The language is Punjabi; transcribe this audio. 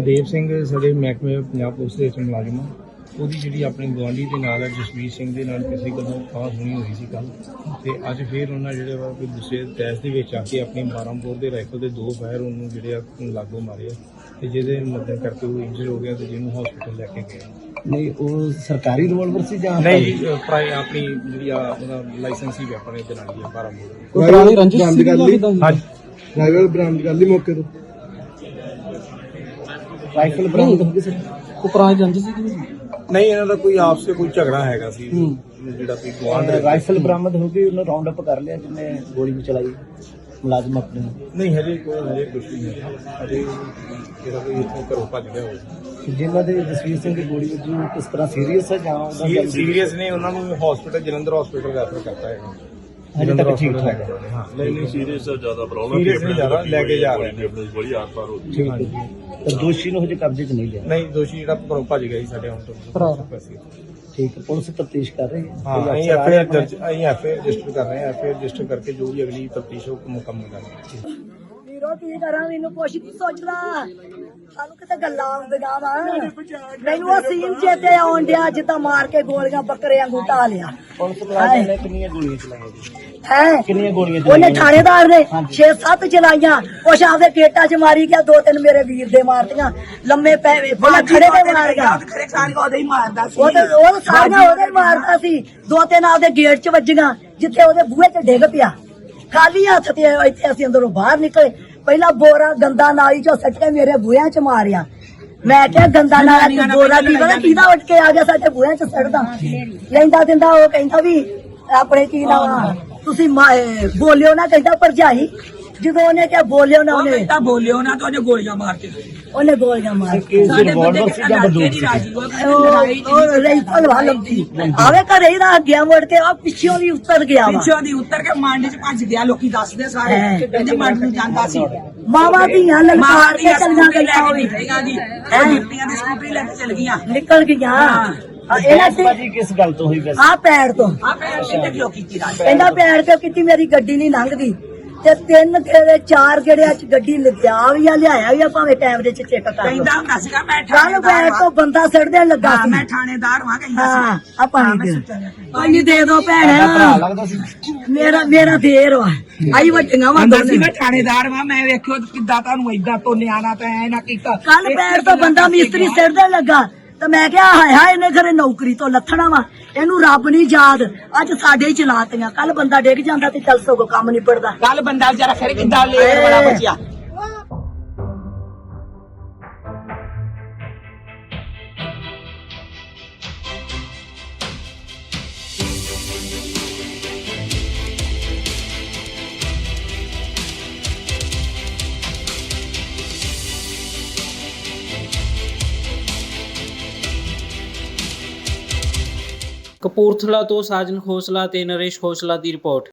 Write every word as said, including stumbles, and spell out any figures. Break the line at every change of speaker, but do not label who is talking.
ਹਰਦੇਵ ਸਿੰਘ ਸਾਡੇ ਮਹਿਕਮੇ ਪੰਜਾਬ ਪੁਲਿਸ ਦੇ ਵਿੱਚ ਮੁਲਾਜ਼ਮ ਆ। ਉਹਦੀ ਜਿਹੜੀ ਆਪਣੀ ਗੁਆਂਢੀ ਦੇ ਨਾਲ ਜਸਵੀਰ ਸਿੰਘ ਦੇ ਨਾਲ ਕਿਸੇ ਗੱਲੋਂ ਖਾਂ ਸੁਣੀ ਹੋਈ ਸੀ ਕੱਲ੍ਹ, ਅਤੇ ਅੱਜ ਫਿਰ ਉਹਨਾਂ ਜਿਹੜੇ ਵਾ ਕੋਈ ਦੂਸਰੇ ਤੈਸ ਦੇ ਵਿੱਚ ਆ ਕੇ ਆਪਣੀ ਬਾਰਾਂਪੁਰ ਦੇ ਰਾਈਫਲ ਦੇ ਦੋ ਫਾਇਰ ਉਹਨੂੰ ਜਿਹੜੇ ਆ ਲਾਗੋਂ ਮਾਰੇ ਆ, ਅਤੇ ਜਿਹਦੇ ਮਦਦ ਕਰਕੇ ਉਹ ਇੰਜਰ ਹੋ ਗਿਆ ਅਤੇ ਜਿਹਨੂੰ ਹਸਪੀਟਲ ਲੈ ਕੇ ਗਏ।
ਨਹੀਂ ਉਹ ਸਰਕਾਰੀ ਰਿਵਾਲਵਰ ਸੀ ਜਾਂ
ਨਹੀਂ ਜੀ, ਪ੍ਰਾਈ ਆਪਣੀ ਜਿਹੜੀ ਆ ਉਹਦਾ ਲਾਇਸੈਂਸੀ ਵੈਪਨ ਇਹਦੇ ਨਾਲ ਹੀ ਆ ਬਾਰਾਂਪੁਰ।
ਕੋਈ ਪੁਰਾਣੀ ਰੰਜਿਸ਼ ਸੀ
ਹਾਂਜੀ
ਰਾਈਫਲ ਬਰਾਮਦ ਕਰ ਲਈ ਮੌਕੇ ਤੋਂ। ਰਾਈਫਲ ਬਰਾਮਦ ਹੋ ਗਈ ਸੀ। ਉਹ ਪੁਰਾਣੀ ਰੰਜਿਸ਼ ਸੀ
ਨਹੀਂ, ਇਹਨਾਂ ਦਾ ਕੋਈ ਆਪਸ ਵਿੱਚ ਕੋਈ ਝਗੜਾ ਹੈਗਾ ਸੀ ਜਿਹੜਾ ਕੋਈ ਗੁਆਂਢ।
ਰਾਈਫਲ ਬਰਾਮਦ ਹੋ ਗਈ, ਉਹਨੂੰ ਰਾਉਂਡ ਅਪ ਕਰ ਲਿਆ ਜਿਹਨੇ ਗੋਲੀ ਵੀ ਚਲਾਈ ਮੁਲਾਜ਼ਮ ਆਪਣੇ।
ਨਹੀਂ ਹਜੇ ਕੋਈ ਹਜੇ ਕੁਛ ਨਹੀਂ ਹੈ, ਹਜੇ ਜਿਹੜਾ ਕੋਈ ਇੱਥੋਂ ਘਰੋਂ ਭੱਜ ਗਿਆ ਹੋਵੇ।
ਜਿਨ੍ਹਾਂ ਦੇ ਜਸਵੀਰ ਸਿੰਘ ਦੀ ਗੋਲੀ ਵੱਜੀ ਉਹ ਕਿਸ ਤਰ੍ਹਾਂ ਸੀਰੀਅਸ ਹੈ ਜਾਂ ਉਹਦਾ
ਸੀਰੀਅਸ ਨੇ, ਉਹਨਾਂ ਨੂੰ ਹਸਪੀਟਲ ਜਲੰਧਰ ਹਸਪੀਟਲ ਰੈਫਰ ਕਰਤਾ ਹੈ।
ਹਜੇ ਤੱਕ ਠੀਕ ਠਾਕ ਹੈ।
ਹਾਂ
ਨਹੀਂ ਨਹੀਂ ਸੀਰੀਅਸ ਹੈ, ਜ਼ਿਆਦਾ ਪ੍ਰੋਬਲਮ
ਸੀਰੀਅਸ ਨਹੀਂ, ਜ਼ਿਆਦਾ ਲੈ ਕੇ ਜਾ ਰਹੇ ਨੇ।
ਬੜੀ ਆਰ ਪਾਰ ਹੋ ਗਈ।
ਠੀਕ ਹੈ ਜੀ। ਤਾਂ ਦੋਸ਼ੀ ਨੂੰ ਹਜੇ ਕਬਜ਼ੇ 'ਚ ਨਹੀਂ ਲਿਆ।
ਨਹੀਂ, ਦੋਸ਼ੀ ਜਿਹੜਾ ਘਰੋਂ ਭੱਜ ਗਿਆ ਸੀ ਸਾਡੇ ਹੁਣ ਤੋਂ।
ਠੀਕ ਹੈ, ਪੁਲਿਸ ਤਫਤੀਸ਼ ਕਰ ਰਹੀ ਹੈ।
ਹਾਂ, ਅਸੀਂ ਐਫ ਆਈ ਆਰ ਦਰਜ ਅਸੀਂ ਐਫ ਆਈ ਆਰ ਰਜਿਸਟਰ ਕਰ ਰਹੇ ਹਾਂ। ਐਫ ਆਈ ਆਰ ਰਜਿਸਟਰ ਕਰਕੇ ਜੋ ਵੀ ਅਗਲੀ ਤਫਤੀਸ਼ ਉਹ ਮੁਕੰਮਲ ਕਰਾਂਗੇ।
ਵੀਰੋ ਕੀ ਕਰਾਂ, ਮੈਨੂੰ ਕੁਛ ਨਹੀਂ ਸੋਚਦਾ, ਸਾਨੂੰ ਕਿਤੇ ਗੱਲਾਂ ਆਉਂਦੀਆਂ ਵਾ। ਮੈਨੂੰ ਉਹ ਸੀਨ ਚੇਤੇ ਆਉਣ ਡਿਆ ਜਿੱਦਾਂ ਮਾਰ ਕੇ ਗੋਲੀਆਂ ਬੱਕਰੇ ਵਾਂਗੂ ਢਾ ਲਿਆ।
ਪੁਲਿਸ ਮੁਲਾਜ਼ਮ ਨੇ ਕਿੰਨੀਆਂ ਗੋਲੀਆਂ ਚਲਾਈਆਂ ਜੀ?
ਹੈ
ਕਿੰਨੀਆਂ ਗੋਲੀਆਂ
ਉਹਨੇ
ਚਲਾਈਆਂ?
ਥਾਣੇਦਾਰ ਨੇ ਛੇ ਸੱਤ ਚਲਾਈਆਂ, ਕੁਛ ਆਪਦੇ ਪੇਟਾਂ 'ਚ ਮਾਰੀ ਗਿਆ, ਦੋ ਤਿੰਨ ਮੇਰੇ ਵੀਰ ਦੇ ਮਾਰਤੀਆਂ, ਲੰਮੇ ਪੈ ਪਹਿਲਾਂ ਖੜੇ ਦੇ ਮਾਰ ਗਿਆ। ਉਹ ਤੇ ਉਹ ਸਾਰੀਆਂ ਉਹਦੇ ਹੀ ਮਾਰਦਾ ਸੀ, ਦੋ ਤਿੰਨ ਆਪਦੇ ਗੇਟ 'ਚ ਵੱਜੀਆਂ ਜਿੱਥੇ ਉਹਦੇ ਬੂਹੇ 'ਚ ਡਿੱਗ ਪਿਆ। ਖਾਲੀ ਹੱਥ ਤੇ ਇੱਥੇ ਅਸੀਂ ਅੰਦਰੋਂ ਬਾਹਰ ਨਿਕਲੇ, ਪਹਿਲਾਂ ਬੋਰਾ ਗੰਦਾ ਨਾਲੀ 'ਚੋਂ ਸੱਟ ਕੇ ਮੇਰੇ ਬੂਹਿਆਂ 'ਚ ਮਾਰਿਆ। ਮੈਂ ਕਿਹਾ ਗੰਦਾ ਨਾਲਾ ਚ ਬੋਰਾ ਕੀ ਪਤਾ ਕਿਹਦਾ ਉੱਠ ਕੇ ਆ ਗਿਆ ਸਾਡੇ ਬੂਹਿਆਂ 'ਚ ਸੜਦਾ ਲੈਂਦਾ ਦਿੰਦਾ। ਉਹ ਕਹਿੰਦਾ ਵੀ ਆਪਣੇ ਕੀ ਨਾ ਤੁਸੀਂ ਬੋਲਿਓ ਨਾ, ਕਹਿੰਦਾ ਭਰਜਾਈ। ਜਦੋਂ ਉਹਨੇ ਕਿਹਾ ਬੋਲਿਓ ਨਾ, ਉਹਨੇ
ਬੋਲਿਓ ਨਾ ਤਾਂ ਉਹਨੇ ਗੋਲੀਆਂ ਮਾਰ ਕੇ
ਉਹਨੇ ਗੋਲੀਆਂ ਮਾਰ
ਰਿਵਾਲਵਰ ਸੀ ਜਾਂ ਬੰਦੂਕ ਸੀ?
ਰਾਈਫਲ ਵਾਲੰਦੀ ਆਵੇ ਘਰੇ ਹੀ ਰੱਖ ਗਿਆ, ਮੁੜ ਕੇ ਉਹ ਪਿੱਛੋਂ ਵੀ ਉੱਤਰ ਗਿਆ ਵਾ।
ਪਿੱਛੋਂ ਦੀ ਉੱਤਰ ਕੇ ਮੰਡ ਚ ਭੱਜ ਗਿਆ। ਲੋਕੀ ਦੱਸਦੇ ਸਾਰੇ ਕਹਿੰਦੇ ਮੰਡ ਨੂੰ ਜਾਂਦਾ ਸੀ।
ਮਾਵਾ ਧੀਆਂ ਲਲਕਾਰ ਕੇ ਚੱਲੀਆਂ ਗਈਆਂ ਹੋਈ
ਇਹ ਡਿਪਟੀਆਂ ਦੀ ਸਕੂਟਰੀ ਲੈ ਕੇ ਚਲ ਗਈਆਂ,
ਨਿਕਲ ਗਈਆਂ। ਇਹਨਾਂ
ਭਾਜੀ ਕਿਸ ਗੱਲ ਤੋਂ ਹੋਈ ਵੈਸੇ?
ਆ ਪੈੜ ਤੋਂ
ਆ ਪੈਰ ਸਿੱਧੇ ਕਿਉਂ ਕੀਤੀ ਰਾਜ?
ਕਹਿੰਦਾ ਪੈੜ ਤੋਂ ਕੀਤੀ, ਮੇਰੀ ਗੱਡੀ ਨਹੀਂ ਲੰਘਦੀ। ਤੇ ਤਿੰਨ ਗੇੜੇ ਚਾਰ ਗੇੜਿਆਂ ਚ ਗੱਡੀ ਲਿਆ ਵੀ ਆ, ਲਿਆਇਆ ਵੀ ਆ, ਭਾਵੇਂ ਕੈਮਰੇ ਚ ਚੈੱਕ ਕਰ ਲਓ।
ਕਹਿੰਦਾ ਹੁੰਦਾ ਸੀਗਾ ਮੈਂ
ਕੱਲ ਪੈੜ ਤੋਂ ਬੰਦਾ ਸੜਦੇ ਲੱਗਾ ਸੀ।
ਮੈਂ ਥਾਣੇਦਾਰ ਵਾਂ ਕਹਿੰਦਾ
ਹਾਂ
ਸੀ।
ਆ ਪਾਣੀ ਦੇ ਪਾਣੀ ਦੇ ਦੋ ਭੈਣ।
ਭਰਾ ਲੱਗਦਾ ਸੀ।
ਮੇਰਾ ਮੇਰਾ ਦੇਰ ਵਾ, ਆਈ ਵੱਡੀਆਂ ਵਾ
ਅੰਦਰ ਸੀ ਮੈਂ ਥਾਣੇਦਾਰ ਵਾਂ। ਮੈਂ ਵੇਖਿਓ ਕਿੱਦਾਂ ਤੁਹਾਨੂੰ ਏਦਾਂ ਤੋਂ ਨਿਆਣਾ ਤਾਂ ਐ ਨਾ ਕੀਤਾ।
ਕੱਲ ਪੈੜ ਤੋਂ ਬੰਦਾ ਮਿਸਤਰੀ ਸੜਦੇ ਲੱਗਾ, ਤੇ ਮੈਂ ਕਿਹਾ ਹਾਏ ਹਾਏ ਇਹਨੇ ਘਰੇ ਨੌਕਰੀ ਤੋਂ ਲੱਥਣਾ ਵਾ, ਇਹਨੂੰ ਰੱਬ ਨਹੀਂ ਯਾਦ। ਅੱਜ ਸਾਡੇ ਹੀ ਚਲਾਤੀਆਂ। ਕੱਲ ਬੰਦਾ ਡਿੱਗ ਜਾਂਦਾ ਤੇ ਚੱਲ ਸਗੋਂ ਕੰਮ ਨਿਬੜਦਾ।
ਕੱਲ ਬੰਦਾ ਵਿਚਾਰਾ ਫਿਰ ਕਿੱਦਾਂ ਲੇਟ ਵਾਲਾ ਬਚਿਆ।
ਕਪੂਰਥਲਾ ਤੋਂ ਸਾਜਨ ਖੋਸਲਾ ਤੇ ਨਰੇਸ਼ ਖੋਸਲਾ ਦੀ ਰਿਪੋਰਟ।